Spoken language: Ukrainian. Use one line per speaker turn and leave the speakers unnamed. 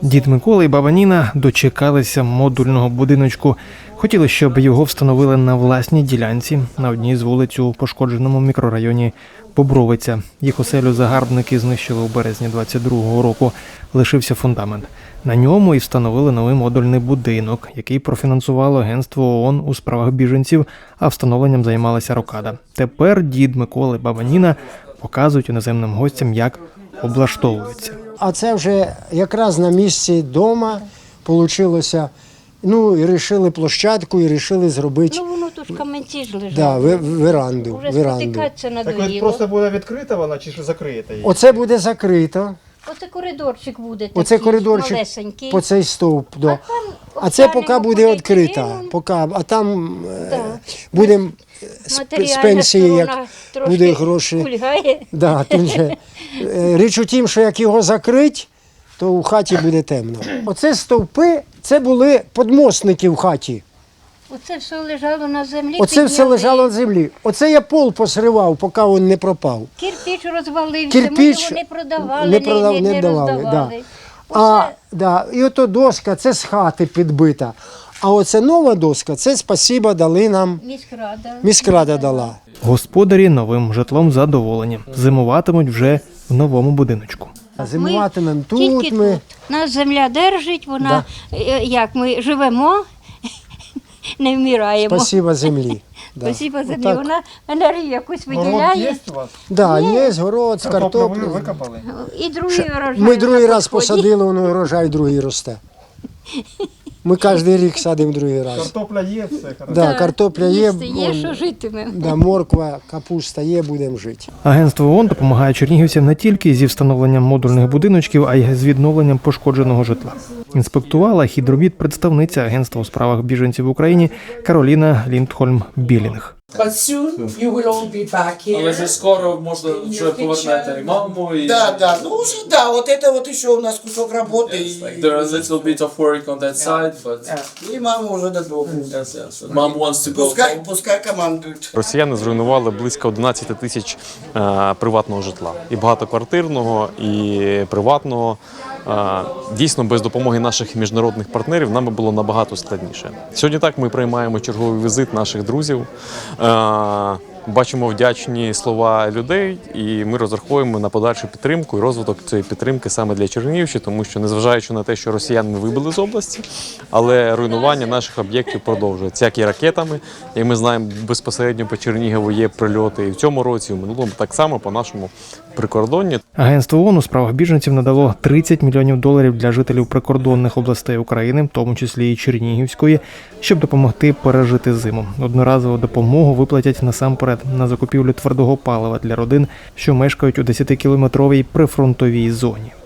Дід Микола і баба Ніна дочекалися модульного будиночку. Хотіли, щоб його встановили на власній ділянці на одній з вулиць у пошкодженому мікрорайоні Бобровиця. Їх оселю загарбники знищили у березні 22-го року. Лишився фундамент. На ньому і встановили новий модульний будинок, який профінансувало Агентство ООН у справах біженців, а встановленням займалася Рокада. Тепер дід Микола і баба Ніна показують іноземним гостям, як облаштовуються.
А це вже якраз на місці дома вийшло. Ну, і вирішили площадку, і вирішили зробити
Воно тут каменці ж лежать.
веранду.
Уже спотикатися надоїло.
просто буде відкрита вона чи ж закриєте її?
Оце буде закрито.
Оце коридорчик буде такий,
Оце коридорчик
малесенький.
по цей стовп. Да.
там
А це поки
обтягнемо
буде
куди
відкрита.
підемо.
А там
Так.
будемо з
Матеріальна
пенсії, як
сторона трошки
буде гроші.
кульгає.
Да, тут же. Річ у тім, що як його закрить, то у хаті буде темно. Оце стовпи, це були подмостники в хаті.
Оце все лежало на землі.
Оце все
підняли.
лежало на землі. Оце я пол посривав, поки він не пропав.
Кирпіч розвалився,
Кирпіч
ми його не продавали, не
давали,
роздавали.
І ото доска, це з хати підбита. А оце нова доска, це спасіба дали нам, міськрада дала.
Господарі новим житлом задоволені. Зимуватимуть вже в новому будиночку.
Зимуватимемо
Тільки
тут ми.
тут. Нас земля держить, вона, як ми живемо, не вмираємо.
Спасіба землі. Да.
Спасибо землі,
Отак.
вона енергію якусь виділяє.
у вас?
Да, є город з картоплею.
викопали?
І другий урожай.
Ми другий
на
раз
підході.
посадили, воно урожай другий росте. Ми кожен рік садимо другий раз.
Картопля є, все хорошо.
Да, картопля є,
Їсти є, що житиме.
да, морква, капуста є, будемо жити.
Агентство ООН допомагає чернігівцям не тільки зі встановленням модульних будиночків, а й з відновленням пошкодженого житла. Інспектувала хід робіт представниця Агентства у справах біженців в Україні Кароліна Ліндхольм-Білінг.
But soon you will all be back here.
Але вже скоро можна вже повернете і маму, і
Да, ну уже да, вот это вот еще у нас кусок работы,
like, there is a little bit of work on that side, but
и мама уже додому.
yes. Mom wants to go.
Пускай командует.
Росіяни зруйнували близько 11 тисяч приватного житла. І багатоквартирного, і приватного. Дійсно, без допомоги наших міжнародних партнерів нам би було набагато складніше. Сьогодні так ми приймаємо черговий візит наших друзів, бачимо вдячні слова людей, і ми розраховуємо на подальшу підтримку і розвиток цієї підтримки саме для Чернігівщини, тому що, незважаючи на те, що росіян вибили з області, але руйнування наших об'єктів продовжується, як і ракетами. І ми знаємо, безпосередньо по Чернігову є прильоти і в цьому році, і в минулому так само по нашому прикордонні.
Агентство ООН у справах біженців надало $30 мільйонів для жителів прикордонних областей України, в тому числі і Чернігівської, щоб допомогти пережити зиму. Одноразову допомогу виплатять насамперед на закупівлю твердого палива для родин, що мешкають у 10-кілометровій прифронтовій зоні.